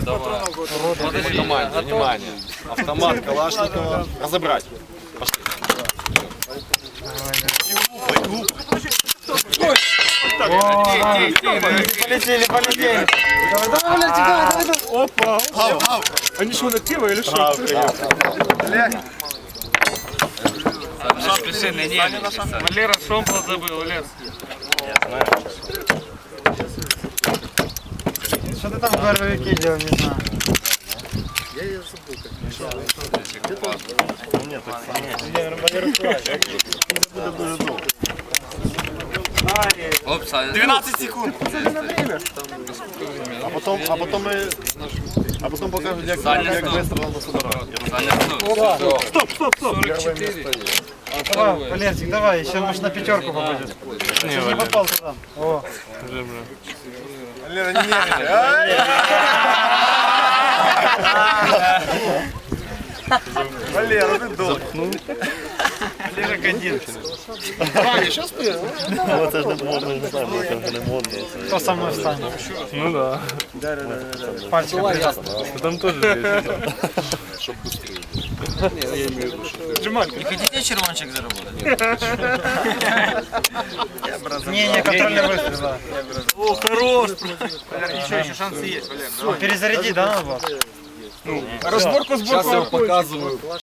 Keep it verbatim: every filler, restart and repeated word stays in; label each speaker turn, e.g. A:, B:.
A: По команде, внимание. Автомат Калашникова. Разобрать. Пошли.
B: Полетели, полетели. Давай, давай, давай, давай.
C: Опа!
A: Ау, ау.
C: Они что, на пиво или что?
B: Валера шомпол забыл, Лес. Что ты там в горовике делал, не знаю. Я ее забыл.
A: Нет, так нет.
C: двенадцать секунд.
A: А потом, а потом мы, а потом покажут, как как быстро надо собирать.
C: Стоп, стоп, стоп.
B: Давай, Валерчик, давай, еще может на пятерку попадет. Не, не попал туда. О.
A: Валера, не нервничай. Валера, ты долг.
B: Валера один.
A: Ваня, сейчас ты?
D: Вот это ж можно, не знаю, это вже не модно.
B: Кто со мной встанет?
C: Ну да.
B: Пальчиком прижал.
C: Там тоже
E: Не хотите червончик заработать?
B: Не, не, контрольный выстрел, да.
C: О, хорош!
E: Еще, еще шансы есть, Валер.
B: Перезаряди, да, надо было?
C: Разборку,
A: Сейчас я
C: сборку.
A: показываю.